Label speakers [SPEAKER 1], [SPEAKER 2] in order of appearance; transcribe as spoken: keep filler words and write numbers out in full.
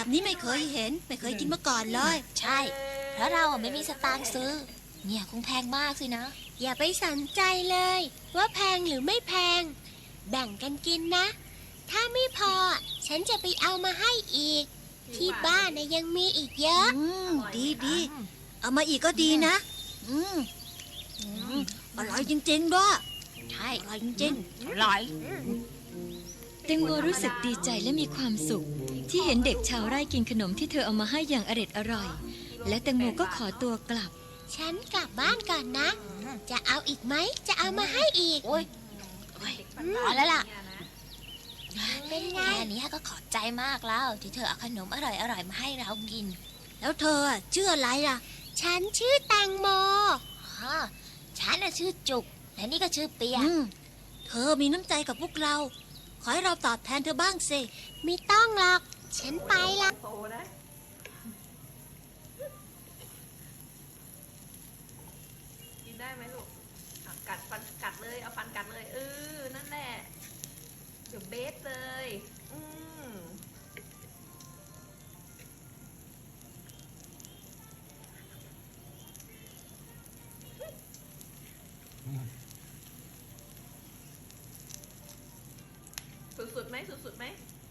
[SPEAKER 1] แบบนี้ไม่เคยเห็นไม่เคยกินมาก่อนเลย
[SPEAKER 2] ใช่ เพราะเราไม่มีสตางค์ซื้อเนี่ยคงแพงมากสินะ
[SPEAKER 3] อย่าไปสนใจเลยว่าแพงหรือไม่แพงแบ่งกันกินนะถ้าไม่พอฉันจะไปเอามาให้อีกที่บ้านนะยังมีอีกเยอะ
[SPEAKER 1] อืมดีดีเอามาอีกก็ดีนะอืมอืมอร่อยจริงๆด้วย
[SPEAKER 2] ใช่
[SPEAKER 1] อร่อยจริง
[SPEAKER 2] อร่อย
[SPEAKER 4] แตงโมรู้สึกดีใจและมีความสุข ที่เห็นเด็กชาวไร่กินขนมที่เธอเอามาให้อย่างอร็ดอร่อย และแตงโมก็ขอตัวกลับ
[SPEAKER 3] ฉันกลับบ้านก่อนนะ จะเอาอีกไหมจะเอามาให้อีก
[SPEAKER 2] โอ้ยโอ้ยพอแล้วล่ะ
[SPEAKER 3] เป็นไง
[SPEAKER 2] แค่นี้ก็ขอบใจมากแล้ว ที่เธอเอาขนมอร่อยๆมาให้เรากิน
[SPEAKER 1] ๆแล้วเธออะชื่ออะไรล่ะ
[SPEAKER 3] ฉันชื่อแตงโม
[SPEAKER 2] ฮะฉันน่ะชื่อจุก และนี่ก็ชื่อเปีย
[SPEAKER 1] อืมเธอมีน้ำใจกับพวกเรา ขอให้เราตอบแทนเธอบ้างสิ
[SPEAKER 3] ไม่ต้องหรอก ฉันไปละ
[SPEAKER 5] โตนะกินได้ไหมลูกอ่ะกัดฟันกัดเลย เอาฟันกัดเลย เออ นั่นแหละ เดี๋ยวเบสเลย อืมสุดๆไหมสุดๆไหม